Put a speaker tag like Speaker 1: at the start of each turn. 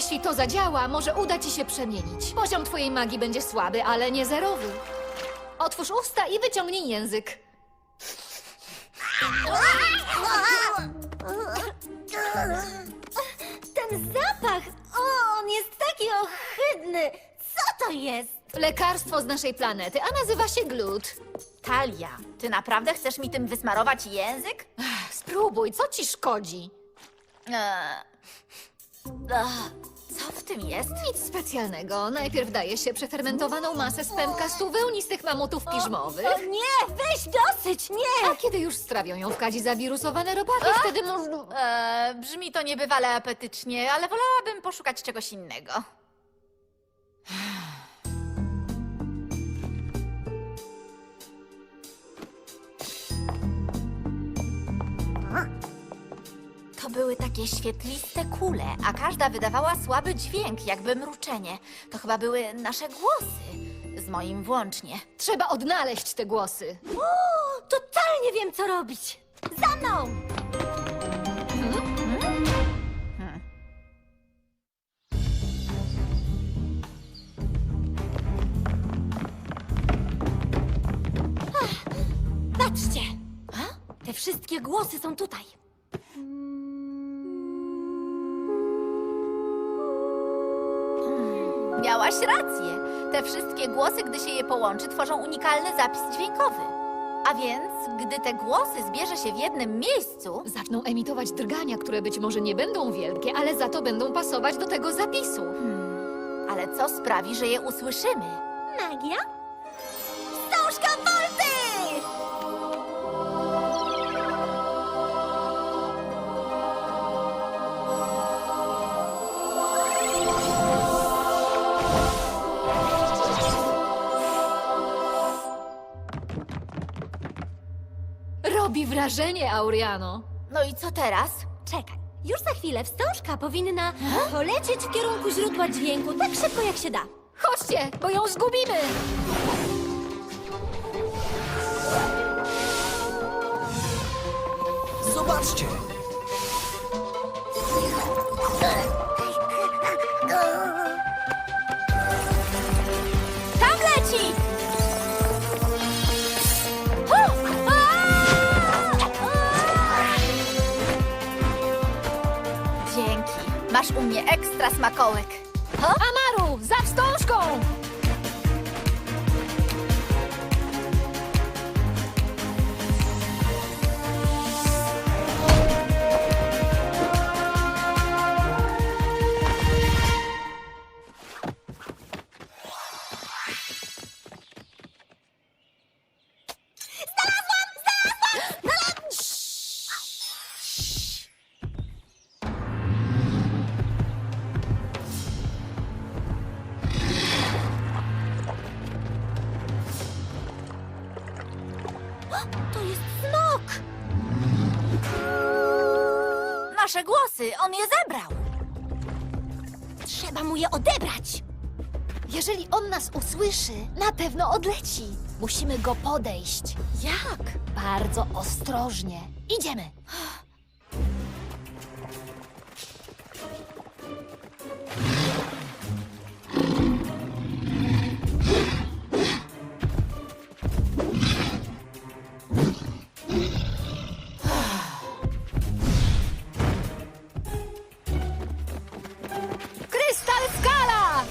Speaker 1: Jeśli to zadziała, może uda ci się przemienić. Poziom twojej magii będzie słaby, ale nie zerowy. Otwórz usta i wyciągnij język.
Speaker 2: Ten zapach! O, on jest taki ohydny! Co to jest?
Speaker 1: Lekarstwo z naszej planety, a nazywa się glut.
Speaker 3: Talia, ty naprawdę chcesz mi tym wysmarować język?
Speaker 1: Spróbuj, co ci szkodzi?
Speaker 3: Co w tym jest?
Speaker 1: Nic specjalnego. Najpierw daje się przefermentowaną masę z pępka 100 wełnistych mamutów piżmowych.
Speaker 2: O nie, weź dosyć, nie!
Speaker 1: A kiedy już strawią ją w kadzi zawirusowane robaty, wtedy można...
Speaker 3: Brzmi to niebywale apetycznie, ale wolałabym poszukać czegoś innego. To były takie świetliste kule, a każda wydawała słaby dźwięk, jakby mruczenie. To chyba były nasze głosy, z moim włącznie.
Speaker 1: Trzeba odnaleźć te głosy.
Speaker 2: O, totalnie wiem, co robić! Za mną! Patrzcie! Te wszystkie głosy są tutaj.
Speaker 3: Miałaś rację. Te wszystkie głosy, gdy się je połączy, tworzą unikalny zapis dźwiękowy. A więc, gdy te głosy zbierze się w jednym miejscu,
Speaker 1: Zaczną emitować drgania, które być może nie będą wielkie, ale za to będą pasować do tego zapisu.
Speaker 3: ale co sprawi, że je usłyszymy?
Speaker 2: Magia? Wstążka Volty!
Speaker 1: Robi wrażenie, Auriano.
Speaker 3: No i co teraz?
Speaker 2: Czekaj, już za chwilę wstążka powinna polecieć w kierunku źródła dźwięku tak szybko, jak się da.
Speaker 1: Chodźcie, bo ją zgubimy!
Speaker 4: Zobaczcie!
Speaker 3: Tam leci! Dzięki. Masz u mnie ekstra smakołyk.
Speaker 1: Amaru, za wstążką!
Speaker 2: To jest smok!
Speaker 3: Nasze głosy, on je zebrał.
Speaker 2: Trzeba mu je odebrać!
Speaker 1: Jeżeli on nas usłyszy, na pewno odleci. Musimy go podejść.
Speaker 3: Jak?
Speaker 1: Bardzo ostrożnie. Idziemy. Krystal skala!